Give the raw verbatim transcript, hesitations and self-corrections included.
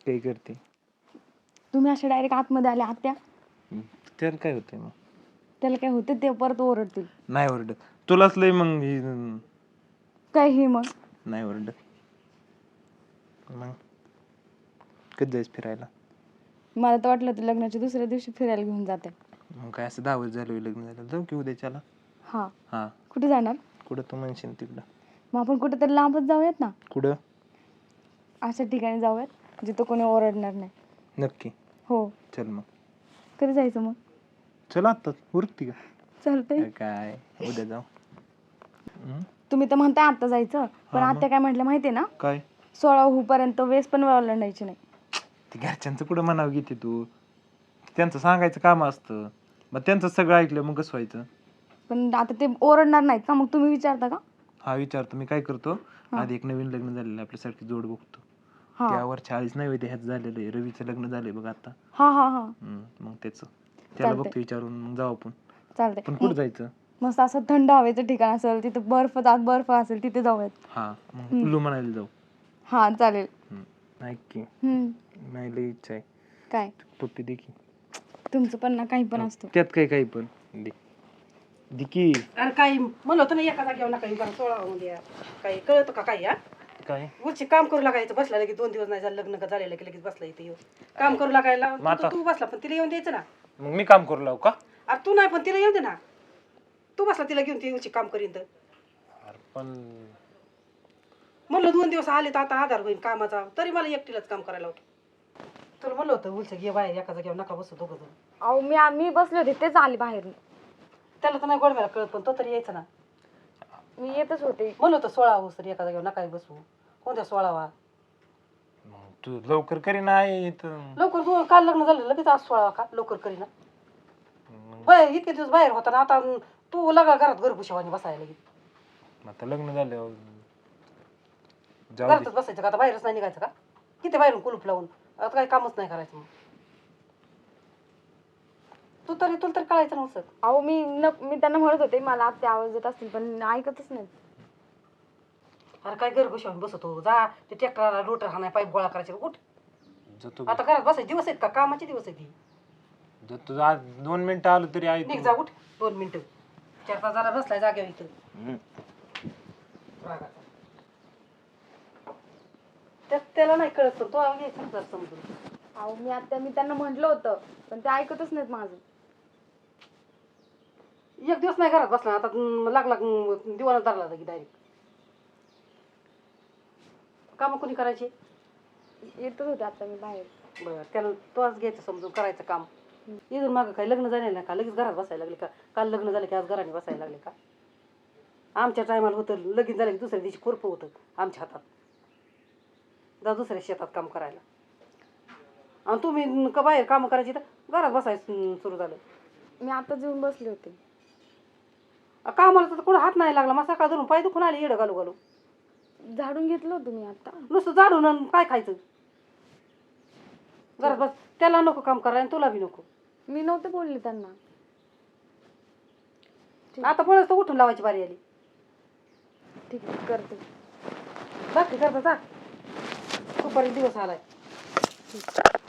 काही करते. तुम्ही अशा डायरेक्ट आतमध्ये आले आत्या, त्याला काय होतंय मग? त्याला काय होतं ते परत ओरडतील. नाही ओरडत. तुलाच लय मग ही- काय हे मग? नाही ओरडत. मग कधी जायचं फिरायला? मला तर वाटलं ते लग्नाच्या दुसऱ्या दिवशी फिरायला घेऊन जाते. मग काय असं दहा वर्ष झालं लग्न झालं, जाऊ की उद्याच्याला. हा, हा, कुठे जाणार? कुठं तू म्हणशील तिकडं. मग आपण कुठेतरी लांबच जाऊयात ना, कुठं? अशा ठिकाणी जाऊयात जिथं कोणी ओरडणार नाही. नक्की. हो. चल मग. कधी जायचं मग? चल आता उरकती का? चालतंय. काय उद्या जाऊ. हम्म? तुम्ही तर म्हणताय आता जायचं, पण हा मग. आत्या काय म्हटलं माहितीये ना, काय सोळा होईपर्यंत वेस पण ओलांडायची नाही. ते घरच्यांचं कुठं म्हणावं घेते तू? त्यांचं सांगायचं काम असतं, मग त्यांचं सगळं ऐकलं मग कसं व्हायचं? पण आता ते ओरडणार नाहीत का, मग तुम्ही विचारता का? हा विचारतो मी. काय करतो, हा. आधी एक नवीन लग्न झालेलं आपल्यासारखी जोड बघतो. हा त्यावर चाळीस नाही ह्याच झालेलं आहे, रवीचं लग्न झालंय बघ आता. हा हा हा हम्म, मग त्याचं त्याला चालतंय. बघतो विचारून, मग जाऊ आपण. चालतंय. पण कुठं जायचं? मस्त असं थंड हवेचं ठिकाण असेल, तिथे बर्फ आत बर्फ असेल तिथे जाऊयात. हा, मग कुल्लू म्हणायला जाऊ. हा चालेल. हम्म, ऐक की, हम्म. नाही लई इच्छा आहे. काय? पप्पी दे की. तुमचं पण ना काही पण असतं. त्यात काही काही पण दे. दे की. अरे काही म्हणलं होतं ना एका जागेवर नका येऊ, सोळा मध्ये काही कळतं का काही? हा, काय उलची काम करू लागायचं, बसला लगेच दोन दिवस नाही झालं लग्न का झालेलं की लगेच बसला इथे येऊ काम करू लागायला. तू- आता- तू बसला पण तिला येऊन द्यायचं ना. मग मी काम करू लावू का? अरे तू नाही पण तिला येऊन दे ना. तू बसला तिला घेऊन ती उलची काम करीन तर. अरे पण म्हणलं दोन दिवस आले तर आता आधार होईल कामाचा, तरी मला एकटीलाच काम करायला होतं. तुला म्हणलं होतं उलचं घे बाहेर एका जागेवर नका बसू दोघं जण. अहो मी मी बसले होते तेच आले बाहेर. त्याला तर नाही गोडव्याला कळत, पण तो तरी यायचा ना. मी येतच होते. म्हणलं होतं सोळा होस तरी एका जागेवर नका बसू. कोणत्या सोळावा? मग तू लवकर करी नाही तर लवकर तू काल लग्न झालं लगेच आज सोळावा का लवकर करीना. बाहेर इतके दिवस बाहेर होता ना, आता तू लगा घरात घरभुशावानी बसायला लगेच. आता लग्न झालं जाऊ घरातच बसायचं का? आता बाहेरच नाही निघायचं का? किती बाहेरून कुलूप लावून आता काही कामच नाही करायचं मग. तू तरी तुला तरी कळायचं नव्हतं. अहो मी न मी त्यांना म्हणत होते मला आत्या आवाज देत असतील, पण ऐकतच नाहीत. अरे काय घरभुशावून बसतो, जा ते ट्रॅक्टरला रोटर हाणाय पाईप गोळा करायचे उठ. जातो आता घरात बसायचे दिवस आहेत का? कामाचे दिवस आहेत. जातो आज दोन मिनिटं आलो तरी आहे निघ जा उठ दोन मिनिटं. चार तास झाला बसलाय जागेवर इथं. रागाचा. त्या- त्याला नाही कळत पण तो घ्यायचा ना जरा समजून. अहो मी आत्या मी त्यांना म्हटलं होतं, पण ते ऐकतच नाहीत माझं. एक दिवस नाही घरात बसला आता अं, लागला अं, दिवाना धरला की डायरेक्ट. कामं कोणी करायची? येतच होते आता मी बाहेर. बरं त्याला तोच घ्यायचं समजून करायचं काम. इथून मागं काय लग्न झाले ना का लगेच घरात बसायला लागले का? काल लग्न झालं की आज घराने बसायला लागले का? आमच्या टायमाला होतं लगीन झालं की दुसऱ्या दिवशी खुरपं होतं आमच्या हातात. जा दुसऱ्या शेतात काम करायला. आणि तुम्ही का बाहेर कामं करायची तर घरात बसायचं सुरू झालं. मी आताच येऊन बसले होते. कामाला तर कुठं हात नाही लागला, मग सकाळ धरून पाय दुखून आले येडं घालू घालू. झाडून घेतलं होतं मी आता. नुसतं जाडून आणि काय खायचं? घरात बस. त्याला नको काम करायला आणि तुला बी नको. मी नव्हते बोलले त्यांना. आता पळस तर उठून लावायची बारी आली. ठीक आहे करते. बाकी करता जा दुपारी दिवस आलाय.